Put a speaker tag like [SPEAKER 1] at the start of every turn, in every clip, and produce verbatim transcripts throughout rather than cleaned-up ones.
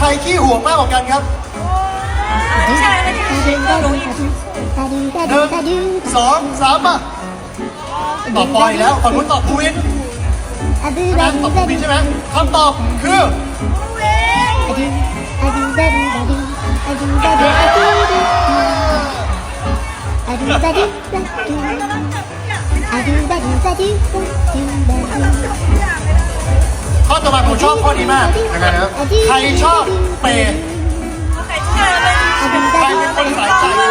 [SPEAKER 1] รขี้ห่วงมากกว่ากันครับ
[SPEAKER 2] 接下来呢，这个谁更容易吃醋？
[SPEAKER 1] หนึ่งสองสามมาตอบปอยแล้วฝั่งนู้นตอบภูวินนะตอบภูวินใช่ไหมคำตอบคือข้อต่อมาผมชอบข้อนี้มากยังไงครับใครชอบเปย์
[SPEAKER 2] OK，接下来的问题是谁更花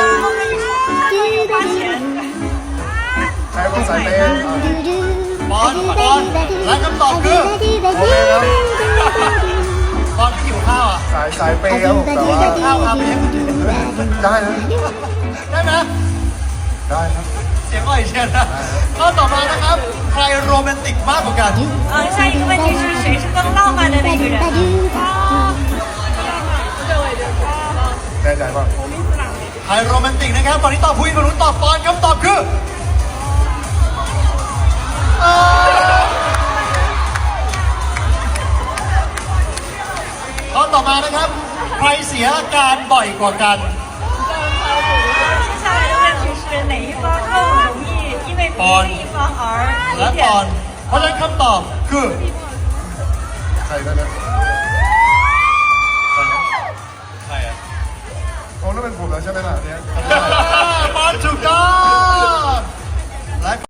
[SPEAKER 2] 钱？
[SPEAKER 3] ใช้คนสายเปย์
[SPEAKER 1] บอลบอลและคำตอบคือ
[SPEAKER 3] โอเคครับ
[SPEAKER 1] บอลที่หิวข้าวอ่ะ
[SPEAKER 3] สายสายเปย์ครับแต่ว่า
[SPEAKER 1] ข้าวครับไม่ใช่
[SPEAKER 3] ได้นะ
[SPEAKER 1] ได้ไหม
[SPEAKER 3] ได้ครับ
[SPEAKER 1] เสียงอ่อยเชียวนะข้อต่อมานะครับใครโรแมนติกมากกว่ากัน
[SPEAKER 2] 嗯，下一个问题是谁是更浪漫的那个人？
[SPEAKER 3] แน่ใจป่ะ
[SPEAKER 1] ใครโรแมนติกนะครับตอนนี้ตอบภูวินฝั่งนู้นตอบปอนคำตอบคือเอ่อข้อต่อมานะครับใครเสียอาการบ่อยกว่ากัน
[SPEAKER 2] 接下来的问题是哪一方更容易因为别的一方而
[SPEAKER 1] และ
[SPEAKER 2] 有
[SPEAKER 1] ปอน
[SPEAKER 2] 点？
[SPEAKER 1] เพราะฉะนั้นคำตอบคือ
[SPEAKER 3] ใครได้นะ
[SPEAKER 1] ใครอ่ะ
[SPEAKER 3] โอ้นั่นเป็นผมแล้วใช่ไหมล่ะเนี่ย
[SPEAKER 1] ปอนถูกต้อง